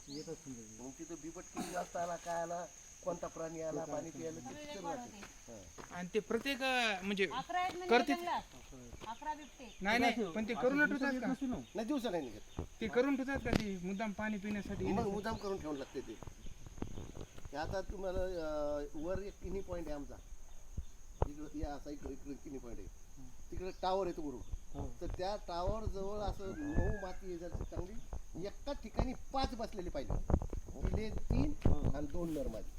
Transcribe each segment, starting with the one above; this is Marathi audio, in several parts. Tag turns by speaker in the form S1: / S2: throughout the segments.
S1: येतच समजा.
S2: मग तिथं बिबट किती जास्त आला, काय आला, कोणता प्राणी आला, पाणी प्यायला ते picture राहते.
S3: आणि ते प्रत्येक म्हणजे
S4: 11 आहेत म्हणजे
S3: करते.
S4: जंगलात 11 बिबटे.
S3: नाही पण ते करून ठेवतात का?
S2: नाही दिवसा नाही निघत,
S3: ते करून ठेवतात का ते मुद्दाम पाणी पिण्यासाठी?
S2: मग मुद्दाम करून ठेवून लागते ते. हे आता तुम्हाला वर एक किनी पॉईंट आहे आमचा, इकडं या असा इकडे किनी पॉईंट आहे, तिकडे टावर आहे तो वरून. तर त्या टावर जवळ असं मऊ माती आहे जर चांगली, एकाच ठिकाणी 5 बसलेले पाहिजे, तिले 3 आणि 2 नर माझे.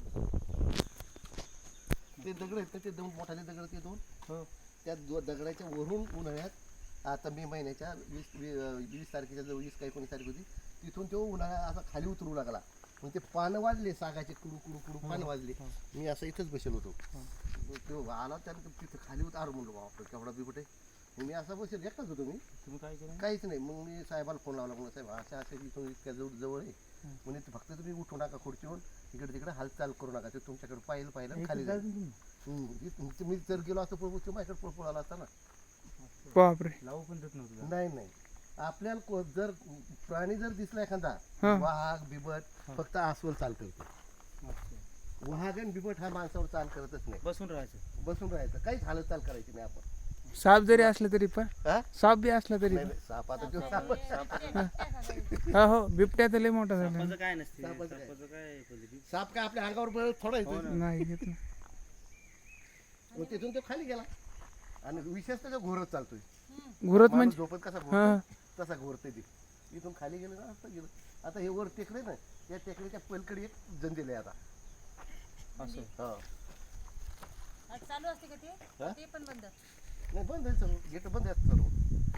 S2: ते दगड आहेत ना, ते 2 मोठाले दगड, ते 2 त्या दगडाच्या वरून उन्हाळ्यात आता मे महिन्याच्या 20 तारखेच्या जवळ 20 का 19 तारीख होती, तिथून तो उन्हाळा असा खाली उतरू लागला. मग ते पानं वाजले, सागाचे कुडू कुडू कुडू पानं वाजले. मी असं इथंच बसेल होतो, तो आला त्यानंतर तिथं खाली होतं. अरे म्हणलो बापरे केवढा बिबट आहे. मग मी असा बसेल, एकटाच होतो मी.
S1: तुम्ही काय केलं?
S2: काहीच नाही. मग मी साहेबाला फोन लावला, म्हणून साहेब अशा अशा इथून इतक्या जवळ आहे, म्हणजे फक्त तुम्ही उठू नका खुर्चीवर, इकडे तिकडे हालचाल करू नका, ते तुमच्याकडे पाहिलं खाली जाईल. मी जर गेलो असतो पळपूर माझ्याकडे पळाला असता ना.
S3: बापरे.
S1: लावू पण देत नव्हतं.
S2: नाही आपल्याला जर प्राणी जर दिसला एखादा, वाघ बिबट, फक्त अस्वल चाल करते. वाघ आणि बिबट हा माणसावर चाल करतच नाही.
S1: बसून
S2: राहायचं, काहीच हालचाल करायची नाही आपण.
S3: साप जरी असला तरी पण,
S2: हा?
S3: साप बी असला तरी
S2: नाही, साप आता तो साप
S3: हो बिबट्या तर लय मोठा झाला.
S1: सापाचं काय नसते.
S2: सापाचं काय?
S1: सापाचं काय पद्धती?
S2: साप काय आपल्या अंगावर बळ थोडा येतो.
S3: नाही घेत ना.
S2: मग तिथून तो खाली गेला, आणि विशेष त्याचा घोरत चालतोय.
S3: घुरत
S2: माणूस
S3: म्हणजे
S2: झोपत कसा घोरतो, तसा घोरते ती. इथून खाली गेलं ना, असं गेलं. आता हे वर टेकडे ना, या टेकडीच्या पलीकडे एक जंजील आहे आता.
S1: असं
S2: हा
S4: आज चालू असते का
S2: हा?
S4: ते पण बंद.
S2: नाही, बंद आहे सर्व, गेट बंद आहेत सर्व.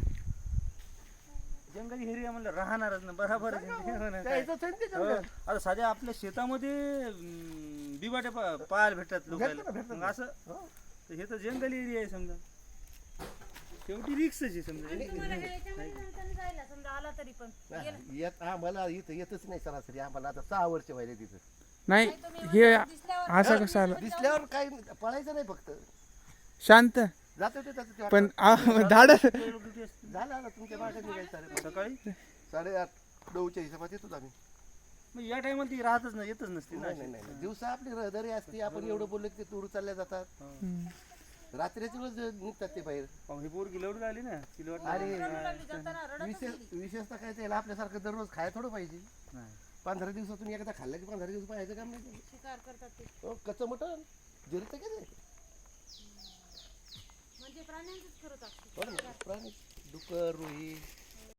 S1: जंगली एरिया म्हणलं राहणारच ना, बरोबर आहे.
S2: त्या इथंच आहे ना ते
S1: हो.
S2: जंगल.
S1: आता साध्या आपल्या शेतामध्ये बिबाटे पाहायला भेटतात लोकांना.
S2: भेटतात
S1: मग असं तर हे तर जंगल एरिया आहे समजा, शेवटी रिक्सच आहे समजा.
S4: तुम्हाला हे याच्यामध्ये नंतर जायला समजा आला तरी पण गेलं.
S2: येत आम्हाला इथं येतच नाही सरासरी. आम्हाला आता 6 वर्ष व्हायले तिथं.
S3: नाही
S4: तुम्ही
S3: हे
S4: दिसल्यावर
S3: असं कसं आलं
S2: दिसल्यावर काही पळायचं नाही, फक्त
S3: शांत
S2: जात होते त्याचं.
S3: पण धाड
S2: झालं आता तुमच्या मागे निघायचं
S1: सकाळी
S2: 8:30-9च्या हिशोबात येतो आम्ही.
S1: मग या टायमाला ती राहतच नाही, येतच नसते ना.
S2: नाही दिवसा आपली रहदारी असते, आपण एवढं बोललो की ते टूर चालल्या जातात. रात्रीच्या वेळेस निघतात ते बाहेर.
S1: ही पोरगी लवडून आली ना, तिला वाटलं
S2: आणि
S4: रडू लागली जाताना रडतच गेली.
S2: विशेषतः काय त्याला आपल्यासारखं दररोज खायला थोडं पाहिजे.
S1: नाही.
S2: 15 दिवसातून एकदा खाल्लं की 15 दिवस पाहायचं काम नाही.
S4: शिकार करतात ते
S2: कच्चं मटण जिरतं का ते?
S4: म्हणजे प्राण्यांचंच करत असते.
S2: हो ना, प्राणी डुकर, रुई